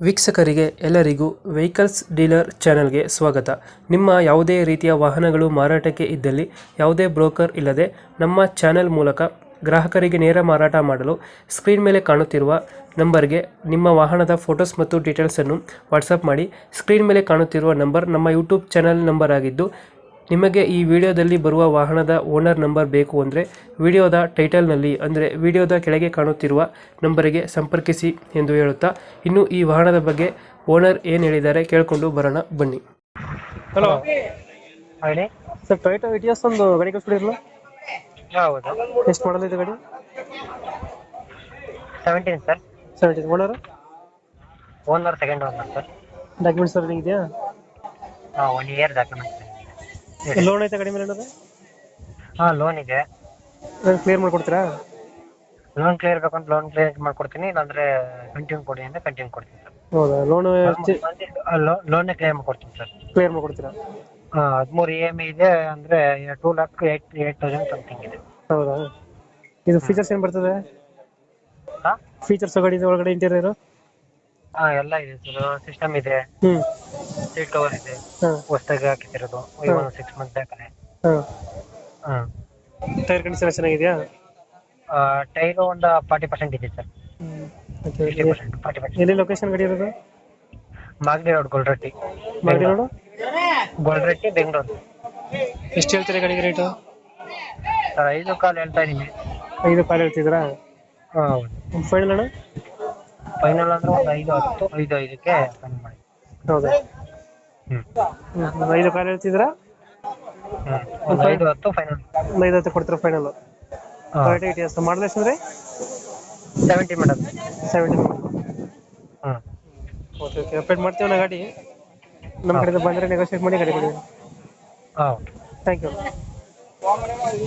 ವೀಕ್ಷಕರಿಗೆ ಎಲ್ಲರಿಗೂ vehicles dealer ಚಾನೆಲ್ಗೆ ಸ್ವಾಗತ. ನಿಮ್ಮ ಯಾವುದೇ ರೀತಿಯ ವಾಹನಗಳು ಮಾರಾಟಕ್ಕೆ ಇದ್ದಲ್ಲಿ ಯಾವುದೇ ಬ್ರೋಕರ್ ಇಲ್ಲದೆ ನಮ್ಮ ಚಾನೆಲ್ ಮೂಲಕ ಗ್ರಾಹಕರಿಗೆ ನೇರ ಮಾರಾಟ ಮಾಡಲು ಸ್ಕ್ರೀನ್ ಮೇಲೆ ಕಾಣುತ್ತಿರುವ ನಂಬರ್ಗೆ ನಿಮ್ಮ ವಾಹನದ ಫೋಟೋಸ್ ಮತ್ತು ಡೀಟೇಲ್ಸನ್ನು ವಾಟ್ಸಪ್ ಮಾಡಿ. ಸ್ಕ್ರೀನ್ ಮೇಲೆ ಕಾಣುತ್ತಿರುವ ನಂಬರ್ ನಮ್ಮ ಯೂಟ್ಯೂಬ್ ಚಾನೆಲ್ ನಂಬರ್ ಆಗಿದ್ದು, ನಿಮಗೆ ಈ ವಿಡಿಯೋದಲ್ಲಿ ಬರುವ ವಾಹನದ ಓನರ್ ನಂಬರ್ ಬೇಕು ಅಂದರೆ ವಿಡಿಯೋದ ಟೈಟಲ್ನಲ್ಲಿ ಅಂದರೆ ವಿಡಿಯೋದ ಕೆಳಗೆ ಕಾಣುತ್ತಿರುವ ನಂಬರಿಗೆ ಸಂಪರ್ಕಿಸಿ ಎಂದು ಹೇಳುತ್ತಾ, ಇನ್ನು ಈ ವಾಹನದ ಬಗ್ಗೆ ಓನರ್ ಏನು ಹೇಳಿದ್ದಾರೆ ಕೇಳಿಕೊಂಡು ಬರೋಣ ಬನ್ನಿ. ಹಲೋ ಹೇಳಿ ಸರ್, ಟೊಯೋಟಾ ಇಟಿಯೋಸ್ ಒಂದು ಗಾಡಿ ಕಳಿಸ್ಬಿಡಿರಲ್ಲ. ಹೌದು. ಎಷ್ಟು ಮಾಡಲ್ ಇದೆ ಗಾಡಿ? 17 sir. 17. Owner? Owner second owner sir. Documents ಎಲ್ಲ ಇದೆಯಾ? 1 ಇಯರ್ ಡಾಕ್ಯುಮೆಂಟ್ಸ್. ಲೋನ್ ಐತೆ ಗಾಡಿ ಮೇಲೆ ಏನಾದ್ರು? ಲೋನ್ ಇದೆ. ಕ್ಲಿಯರ್ ಮಾಡ್ಕೊಡ್ತೀರಾ? ಲೋನ್ ಕ್ಲಿಯರ್ ಬೇಕಂತ ಲೋನ್ ಕ್ಲಿಯರ್ ಮಾಡ್ಕೊಡ್ತೀನಿ, ಇಲ್ಲಾಂದ್ರೆ ಕಂಟಿನ್ಯೂ ಕೊಡಿ ಅಂದ್ರೆ ಕಂಟಿನ್ಯೂ ಕೊಡ್ತೀನಿ ಸರ್. ಹೌದಾ? ಲೋನ್ ಲೋನ್ ಕ್ಲಿಯರ್ ಮಾಡ್ಕೊಡ್ತೀನಿ ಸರ್. ಕ್ಲಿಯರ್ ಮಾಡ್ಕೊಡ್ತೀರಾ? 13 EMI ಇದೆ, ಅಂದ್ರೆ 2,08,000 ಸಮಥಿಂಗ್ ಇದೆ. ಹೌದಾ? ಇದು ಫೀಚರ್ಸ್ ಏನು ಬರ್ತದೆ? ಫೀಚರ್ಸ್ ಗಾಡಿ ಒಳಗಡೆ ಇಂಟೀರಿಯರ್? ಎಲ್ಲ ಇದೆ ಸರ್. ಸಿಸ್ಟಮ್ ಇದೆ, ಹ್ಮ್, ಸೀಟ್ ಕವರ್ ಇದೆ, ಹಾಂ ಹೊಸದಾಗಿ ಹಾಕಿತಿರೋದು 6 ಮಂತ್ ಬೇಕಾದ್ರೆ. ಹಾಂ. ಟೈರ್ ಕಂಡೀಷನ್ ಚೆನ್ನಾಗಿದೆಯಾ? ಟೈರ್ ಒಂದು 40% ಇದೆ ಸರ್. 40%. ಎಲ್ಲಿ ಲೊಕೇಶನ್ ಗಾಡಿ ಇರೋದು? ಮಾಗಡಿ ರೋಡ್, ಗೊಲ್ರಟ್ಟಿ. ಮಾಗಡಿ ರೋಡು, ಗೊಲ್ರಟ್ಟಿ, ಬೆಂಗಳೂರು. ಎಷ್ಟು ಹೇಳ್ತೀರಾ ಗಾಡಿಗೆ ರೇಟು? ಸರ್ 5 ಕಾಲ್ ಹೇಳ್ತಾ ಇದೀನಿ. 5 ಕಾಲ್ ಹೇಳ್ತಿದ್ದೀರಾ? ಹೌದು. ಫೈನಲ್ ಅಣ್ಣ? ಫೈನಲ್ ಅಂದ್ರೆ ಒಂದು 5-10, 5-5ಕ್ಕೆ ಫೈನಲ್ ಮಾಡಿ. ಹೌದಾ? 5 ಕಾಲ್ ಹೇಳ್ತಿದ್ದೀರಾ? ಒಂದು 5-10 ಫೈನಲ್. 5 ಕೊಡ್ತೀರಾ ಫೈನಲ್? ಟೊಯೋಟಾ ಇಟಿಯೋಸ್ ಮಾಡಲ್ ಎಷ್ಟು ಅಂದ್ರೆ? 70 ಮೇಡಮ್. 70. ಓಕೆ ಓಕೆ, ಅಪ್ಡೇಟ್ ಮಾಡ್ತೀವಿ ನಾ ಗಾಡಿ. ನಮ್ಮ ಕಡೆಯಿಂದ ಬಂದರೆ ನೆಗೋಷಿಯೇಟ್ ಮಾಡಿ ಗಾಡಿ ಕೊಡಿ. ಹಾಂ. Thank you.